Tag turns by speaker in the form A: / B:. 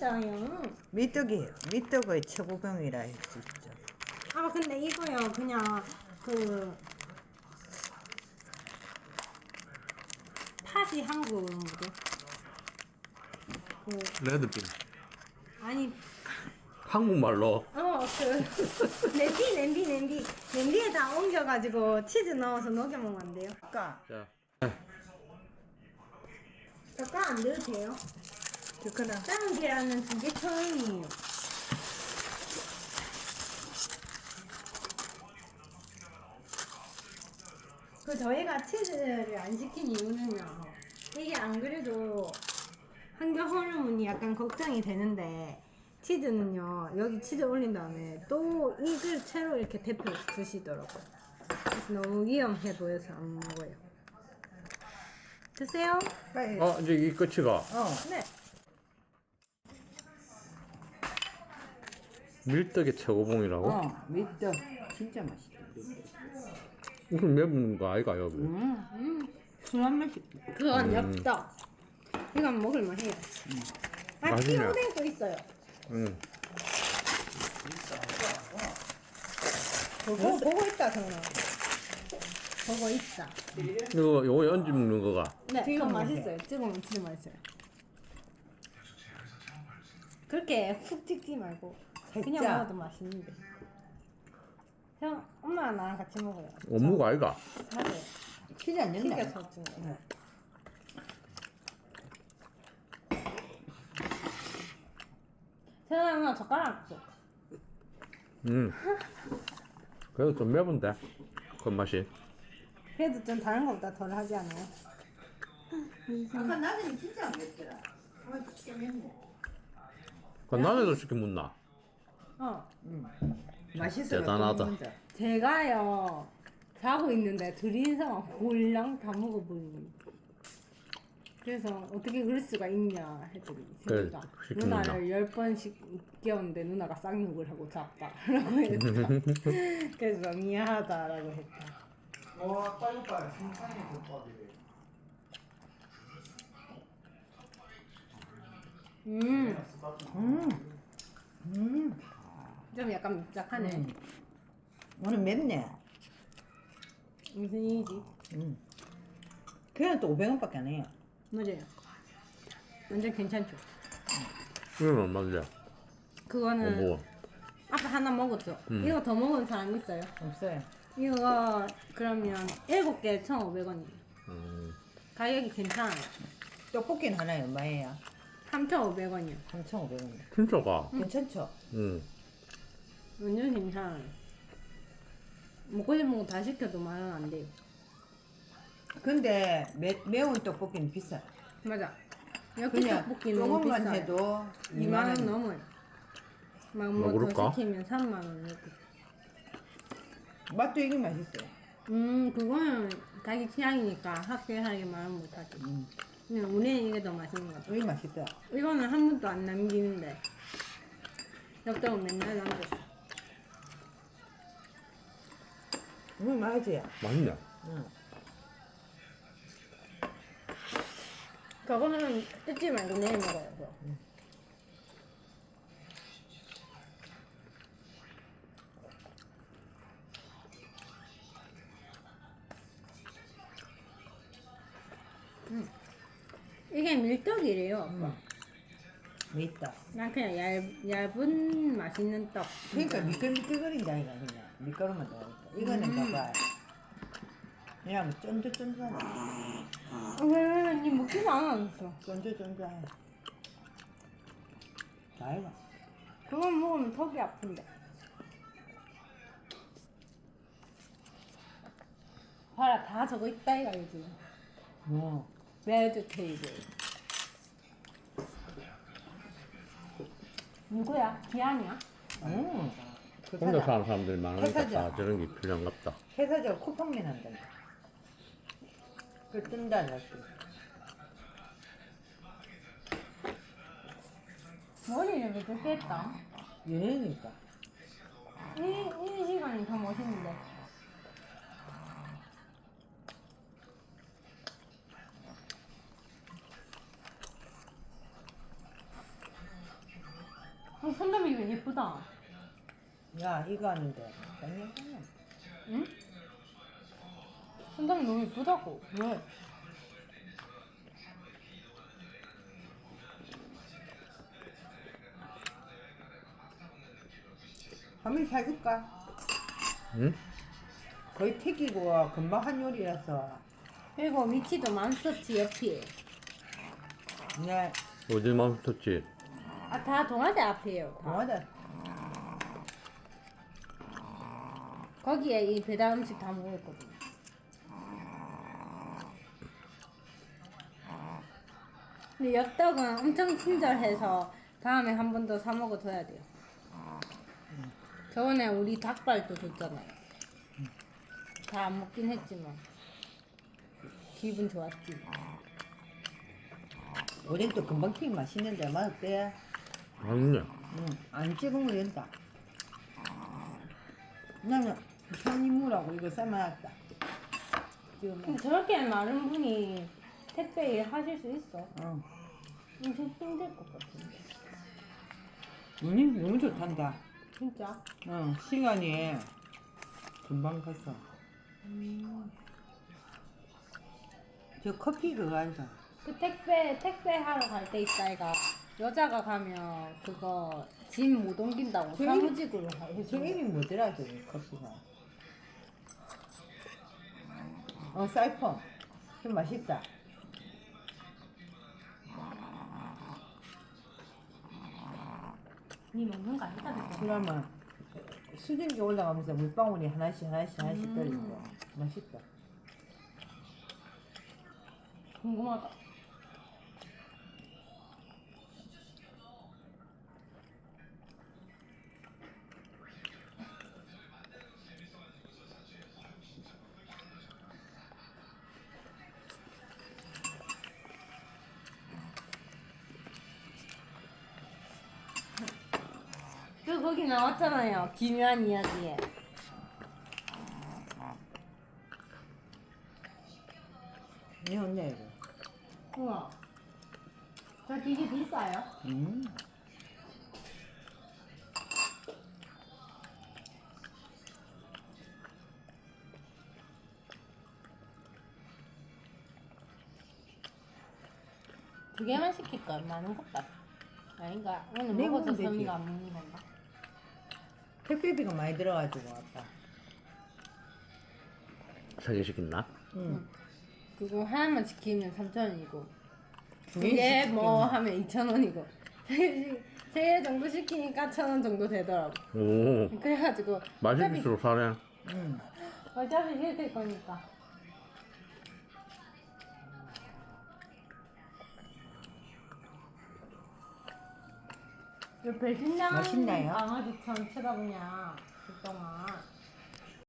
A: 있어요.
B: 미떡이에요. 미떡의 최고봉이라 할 수 있죠.
A: 아 근데 이거요 그냥 그 팥이 한국어로 뭐죠? 그
C: 레드빈.
A: 아니
C: 한국말로.
A: 그 냄비에다 옮겨가지고 치즈 넣어서 녹여 먹으면 안 돼요?
B: 아까
C: 자,
A: 젓갈 안 넣어도 돼요?
B: 그거는
A: 삶은 계란은 2개 처음이에요. 그 저희가 치즈를 안 시킨 이유는요. 이게 안 그래도 환경 호르몬이 약간 걱정이 되는데 치즈는요. 여기 치즈 올린 다음에 또 이걸 채로 이렇게 데펴 주시더라고요. 그래서 너무 위험해 보여서 안 먹어요. 드세요.
B: 빨리.
C: 이제 이 끝이가
A: 네.
C: 밀떡의 최고봉이라고?
B: 미떡 진짜 맛있다. 미떡.
C: 무슨 매운 거 아이가 여기?
B: 순한 맛이.
A: 그건 엽떡. 이건 먹을만 해요. 아,
C: 맛있네.
A: 끼오뎅도 있어요.
C: 응.
A: 보고 있다, 정말. 보고 있다.
C: 이거 요거 얹어 먹는 거가.
A: 네,
B: 찍어
A: 그건
B: 먹으면
A: 맛있어요. 찍으면 진짜 맛있어요. 그렇게 훅 찍지 말고 그냥
B: 살짝.
A: 먹어도 맛있는데. 형, 엄마랑 나랑 같이 먹어요.
C: 어묵 아이가?
A: 맞아요.
B: 치즈 안 넣는다.
A: 튀겨서 주는 거. 세상에 젓가락 줘.
C: 그래도 좀 매운데 그 맛이.
A: 그래도 좀 다른 것보다 덜 하지 않아요?
B: 아까 나는 진짜 안 맵더라. 진짜 맵네.
C: 그 남에도 시켜 묻나?
B: 맛있어.
C: 대단하다.
A: 제가요 자고 있는데 둘이서 홀랑 다 먹어버리는. 그래서 어떻게 그럴 수가 있냐 했더니
C: 그래,
A: 제가
C: 시키는구나.
A: 누나를 10번씩 깨웠는데 누나가 쌍욕을 하고 잤다라고 했다. 그래서 미안하다라고 했다.
D: 와, 빨리빨리 신상의 덮밥이래.
A: 좀 약간 묵직하네.
B: 오늘 맵네.
A: 무슨 일이지?
B: 그냥 또 500원밖에 안 해요.
A: 맞아요. 완전 괜찮죠?
C: 이건 얼마인데?
A: 그거는
C: 뭐?
A: 아까 하나 먹었죠? 이거 더 먹은 사람 있어요?
B: 없어요.
A: 이거 그러면 7개 1,500원이에요. 가격이 괜찮아요.
B: 떡볶이는 하나에 얼마예요?
A: 3,500원이요.
B: 3,500원.
C: 진짜가?
B: 괜찮죠?
C: 응.
A: 완전 괜찮아요. 먹고 싶은 거 다 시켜도 10,000원 안 돼요.
B: 근데 매운 떡볶이는 비싸요.
A: 맞아. 여기
B: 그냥
A: 떡볶이 너무
B: 조금만
A: 비싸요.
B: 해도
A: 2만원 넘어요. 막 뭐
C: 먹을까?
A: 더 시키면 3만원 이렇게.
B: 맛도 이게 맛있어요.
A: 그거는 자기 취향이니까 확실하게 말은 못하지. 근데 우리는 이게 더 맛있는 것 같아.
B: 이게 맛있다.
A: 이거는 한 번도 안 남기는데 엽떡은 맨날 남겼어.
B: 이거 맛이야.
C: 맛있네.
A: 저거는 뜯지 말고 내일 먹어요. 그거. 이게 밀떡이래요, 아빠.
B: 맛있다.
A: 난 그냥 얇은 맛있는 떡.
B: 그러니까 미끌미끌거린다 이가 그냥 밀가루만 넣으니까. 이거는 봐봐. 그냥 쫀득쫀득하네.
A: 왜? 니 먹지도 않았어.
B: 쫀득쫀득해. 다 해봐.
A: 그건 먹으면 턱이 아픈데. 봐라, 다 저거 있다 이가 요즘.
B: 뭐.
A: 레드 테이블. 누구야? 기한이야?
B: 그
C: 혼자
B: 사자.
C: 사는 사람들이 많으니까
B: 회사죠.
C: 다 저런 게 필요한갑다.
B: 회사적 쿠팡맨 한단다. 그 뜬다 다시.
A: 머리를 왜 그렇게 했다?
B: 연예니까.
A: 이 시간이 더 멋있는데. 손잡이가 예쁘다.
B: 야 이거 하는데.
A: 응? 손잡이 너무 예쁘다고. 왜?
B: 한번 사줄까?
C: 응?
B: 거의 튀기고 금방 한 요리라서.
A: 그리고 위치도 많었지 옆에.
B: 네.
C: 어디 멈췄지?
A: 아 다 동아대 앞이에요. 다.
B: 뭐하다.
A: 거기에 이 배달 음식 다 먹었거든. 근데 엽떡은 엄청 친절해서 다음에 한 번 더 사 먹어줘야 돼요. 저번에 우리 닭발도 줬잖아요. 다 안 먹긴 했지만 기분 좋았지.
B: 우린 또 금방 튀긴 맛있는데 맛없대.
C: 아니네.
B: 응. 안 찍으면 된다. 나는 현이무라고 이거 삶아놨다. 지금
A: 근데 저렇게 많은 분이 택배 일 하실 수 있어?
B: 응.
A: 엄청 힘들 것 같은데.
B: 운이 너무 좋단다.
A: 진짜?
B: 응. 시간이 금방 갔어. 저 커피 그거 앉아.
A: 그 택배 하러 갈 때 있다가 여자가 가면 그거 짐 못 옮긴다고
B: 저기-
A: 사무직으로
B: 저
A: 해주는
B: 이름이 뭐더라 저기 커피가. 사이펀. 좀 맛있다.
A: 니 먹는 거 아니다 그거.
B: 그러면 수증기 올라가면서 물방울이 하나씩 떨리고 맛있다.
A: 궁금하다. 또 거기 나왔잖아요. 기묘한 이야기에.
B: 이 언니 이거.
A: 우와. 저 되게 비싸요. 두 개만 시킬까? 많은 것 같다. 아닌가? 오늘
B: 네,
A: 먹어서
B: 먹으면 되지.
A: 섬이가 안 먹는 건가?
B: 택배비가 많이 들어가지고 아빠.
C: 3개 시켰나?
B: 응.
A: 그거 하나만 시키면 3,000원이고
B: 두
A: 두 개
B: 개씩
A: 뭐
B: 시키면.
A: 하면 2,000원이고 세 개 정도 시키니까 1,000원 정도 되더라고.
C: 오,
A: 그래가지고
C: 맛있을수록 사네.
B: 응.
A: 어차피 해줄 거니까. 왜 배신당한
B: 맛있나요?
A: 강아지처럼 쳐다보냐 그동안.